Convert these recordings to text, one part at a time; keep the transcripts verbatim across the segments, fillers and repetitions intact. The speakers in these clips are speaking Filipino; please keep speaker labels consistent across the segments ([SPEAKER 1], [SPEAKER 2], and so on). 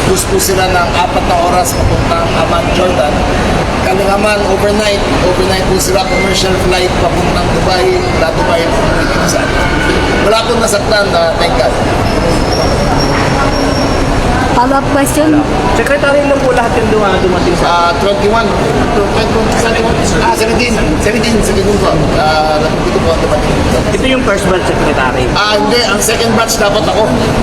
[SPEAKER 1] nag-bus po sila ng apat na oras papuntang Amman, Jordan. Kami naman, overnight, overnight po sila, commercial flight papuntang Dubai, mula Dubai, papuntang sa atin. Wala pong nasaktan na, thank God.
[SPEAKER 2] Follow-up question?
[SPEAKER 3] Secretary lang po lahat yung duma- dumating sa...
[SPEAKER 1] Ah, twenty-one, twenty-one, ah, seventeen, seventeen, seventeen po. Ah, dito po ang dumating.
[SPEAKER 3] Ito yung first batch secretary.
[SPEAKER 1] Ah, hindi. Ang second batch dapat ako.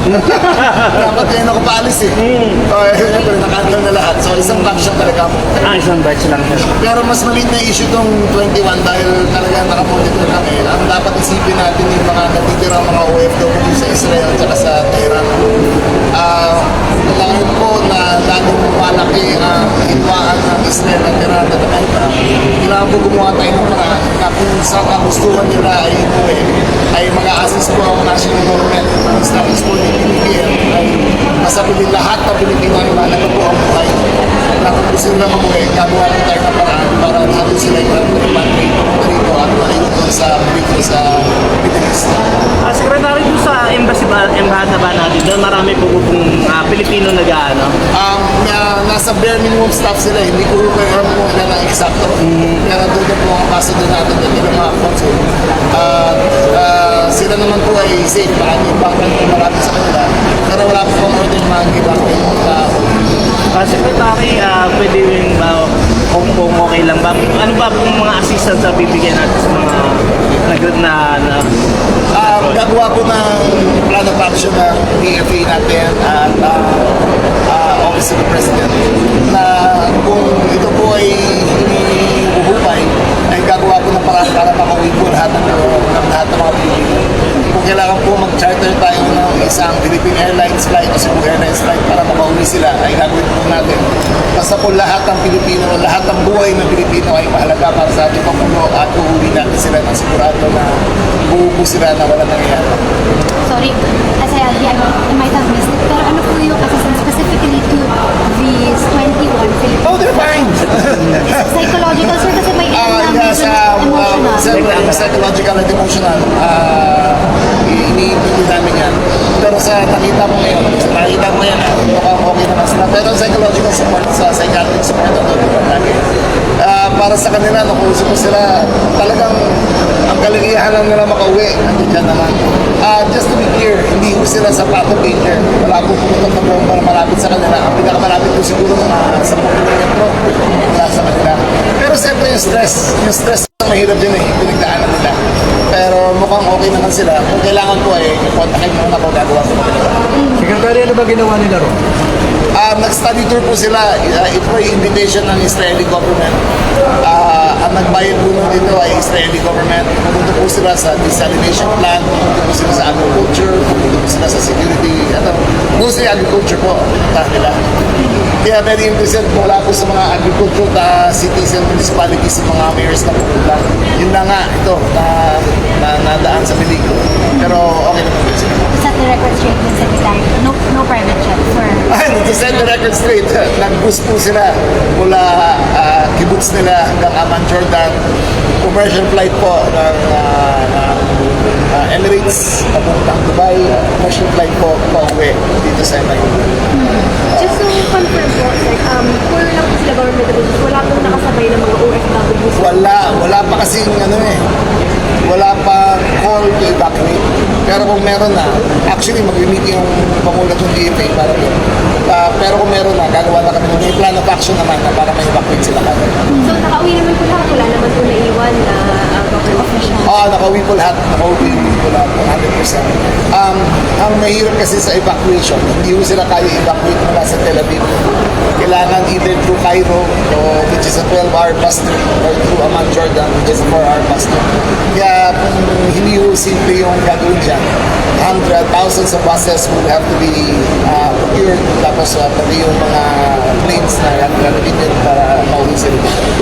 [SPEAKER 1] Dapat ngayon ako paalis eh.
[SPEAKER 3] Hmm.
[SPEAKER 1] So, eh, siyempre, nakahandle na lahat. So, isang batch lang talaga ako.
[SPEAKER 3] Ah, isang batch lang siya.
[SPEAKER 1] Pero mas maliit na issue tong twenty-one dahil talaga nakamonitor kami. Ang dapat isipin natin yung mga natitira mga O F W sa Israel at saka sa Tehran. Ah, kailangan po na lalong malaki ang hitwaan ng Israel at Iran at Amerika. Kailangan po gumawa tayo ng paraan na kung sa kagustuhan nila ay umuwi, ay mag-a-assist po ang national government, ang establish po ng P B M, ay masabili lahat ng Pilipino ay mahalaga po ang buhay. Na kung gusto nila umuwi, gagawa po tayo ng paraan para natin sila yung repatriate rito at maayun sa Pilipino sa Middle East.
[SPEAKER 3] Ah, secretary doon sa embassy ba, embahada ba natin, doon marami po pong ah, Pilipino nag-ano.
[SPEAKER 1] Um, na, nasa bare minimum staff sila, hindi ko kaya alam kung ilan ang eksakto. Kaya nandun po ang ambassador natin at ilang mga consul. Uh, uh, sila naman po ay safe, baka may background po marami sa kanila. Pero wala po pang order mga give-back na
[SPEAKER 3] Ah, secretary, ah, pwede rin ba, kung, kung okay lang ba, ano ba pong mga assistance na bibigyan natin sa mga nag na, na
[SPEAKER 1] Uh, gagawa po ng plan of action ng P F A natin at uh, uh, Office of the President na kung ito po ay hinihuhupay ay gagawa po ng paraan para makauwi po lahat ng, ng lahat ng mga Pilipino. Kung kailangan po mag-charter tayo ng isang Philippine Airlines flight o Cebu Airlines flight para makauwi sila ay gagawin po natin. Basta po lahat ng Pilipino, lahat ng buhay ng Pilipino ay mahalaga para sa ating pamuno at uuwi natin sila ng sigurado na buo sila na wala nangyayari.
[SPEAKER 2] Sorry, kasi I, I might have missed it. Pero ano po yung assistance specifically to these twenty-one Filipino?
[SPEAKER 1] Oh, they're fine!
[SPEAKER 2] Psychological, sir, kasi may
[SPEAKER 1] Ah,
[SPEAKER 2] ilan
[SPEAKER 1] yes, uh,
[SPEAKER 2] emotional.
[SPEAKER 1] uh, siyempre, yung psychological at emotional, uh, iniintindi namin yan. Pero sa nakita mo ngayon, sa nakita mo yan, mukhang okay naman sila. Pero psychological support, sa psychiatric support, ano, lagi. Uh, para sa kanila, nakuusap ko sila, talagang ang kaligayahan lang nila makauwi. Nandiyan naman. Uh, just to be clear, hindi ko sila sa path of danger. Wala po pumutok na bomba na malapit sa kanila. Ang pinakamalapit ko siguro mga sa kilometro mula sa kanila. Pero siyempre yung stress, yung stress mahirap din eh, pinagdaanan nila. Pero mukhang okay naman sila. Kung kailangan po ay eh, kontakin mo na kung gagawa ko kanila.
[SPEAKER 4] Secretary, ano ba ginawa nila ron?
[SPEAKER 1] Um, nag-study tour po sila. Uh, ito ay invitation ng Israeli government. Uh, ang nagbayad po nun dito ay Israeli government. Pumunta po sila sa desalination plant, pumunta po sila sa agriculture, pumunta po sila sa security. Ano, mostly agriculture po, punta nila. Kaya very interested mula po sa mga agricultural uh, cities and municipalities, sa mga mayors na pumunta. Yun na nga, ito, na, na nadaan sa bilig. Pero okay naman po sila.
[SPEAKER 2] Set the record straight with Secretary. No, no private jet for...
[SPEAKER 1] Ay, to set the record straight, nag-bus po sila mula uh, kibbutz nila hanggang Amman, Jordan. Commercial flight po ng uh, uh, uh, Emirates papuntang Dubai. Commercial flight po pauwi dito sa M I U.
[SPEAKER 5] Just to confirm po, like, um, puro lang po sila government officials, wala pong nakasabay ng mga O F W.
[SPEAKER 1] Wala, wala pa kasing ano eh, wala pa call to evacuate. Pero kung meron na, actually mag-meet yung pamulat ng D F A para doon. Uh, pero kung meron na, gagawa na kami. May plan of action naman na para ma-evacuate sila kagad.
[SPEAKER 5] So, nakauwi naman po lahat, wala naman po naiwan na uh, government official.
[SPEAKER 1] Oo, nakauwi po lahat. Nakauwi po lahat, one hundred percent. Um, ang mahirap kasi sa evacuation, hindi mo sila kaya evacuate mula sa Tel Aviv. Kailangan either through Cairo, o, which is a twelve hour bus trip, or through Amman, Jordan, which is a four hour bus trip. Kaya kung hindi mo simple yung gagawin dyan, hundred, thousands of buses will have to be uh, procured, tapos uh, pati yung mga planes na gagawin din para mauwi sila.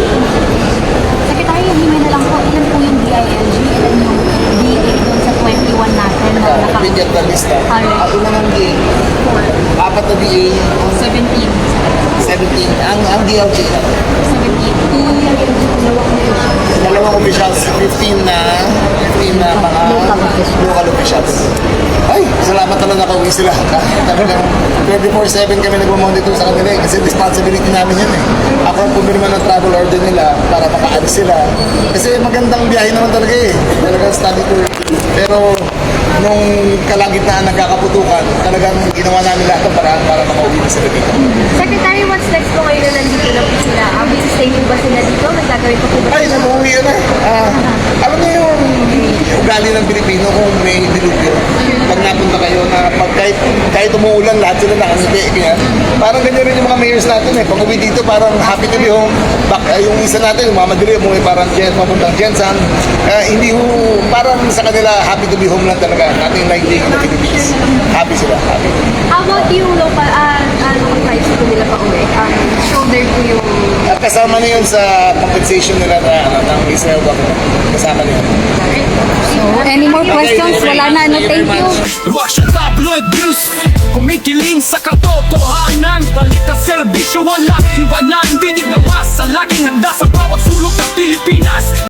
[SPEAKER 2] Secretary, hindi na lang po, ilan po yung D I L G, ilan yung D A doon sa twenty-one natin na
[SPEAKER 1] Uh,
[SPEAKER 2] naka...
[SPEAKER 1] Bigyan na lista.
[SPEAKER 2] Alright.
[SPEAKER 1] Ako naman D A.
[SPEAKER 2] Four.
[SPEAKER 1] Apat na D A.
[SPEAKER 2] seventeen.
[SPEAKER 1] seventeen. Ang, ang D L G na.
[SPEAKER 2] seventy-two.
[SPEAKER 1] Dalawang officials, fifteen na, fifteen na mga local officials. Ay, salamat talaga nakauwi sila. Talagang twenty-four seven kami nag-monitor sa kanila eh, kasi responsibility namin yun eh. Ako ang pumirma ng travel order nila para makaalis sila. Kasi magandang biyahe naman talaga eh. Talagang study tour. Pero nung kalagitnaan nagkakaputukan, talagang ginawa namin lahat ng paraan para makauwi na sila dito.
[SPEAKER 5] Secretary, what's next po ngayon na nandito na po sila? Ang busy stay po ba sila dito? Nagagawin po po ba
[SPEAKER 1] Ay, namuwi yun eh. Ah, alam niyo yung ugali ng Pilipino kung may dilubyo. Pag napunta kayo na pag kahit, kahit umuulan, lahat sila nakangiti. Kaya parang ganyan rin yung mga mayors natin eh. Pag uwi dito, parang happy to be home. Bak, ay, yung isa natin, yung mamadali, umuwi parang jet, papuntang Jensan. Ah, hindi ho, parang sa kanila, happy to be home lang talaga. Nothing like being in the Philippines. Happy sila, happy.
[SPEAKER 5] How about yung local, ah, ah, local flights po nila pa uwi? Um, shoulder po yung...
[SPEAKER 1] At kasama na yun sa compensation nila na, ano, ng Israel government. Kasama na yun.
[SPEAKER 2] So, any more questions? Wala na, no, thank you.
[SPEAKER 6] Russian tabloid news Kumikiling sa katotohanan Balita serbisyo, walang iwanan Dinig na masa, laging handa sa bawat sulok ng Pilipinas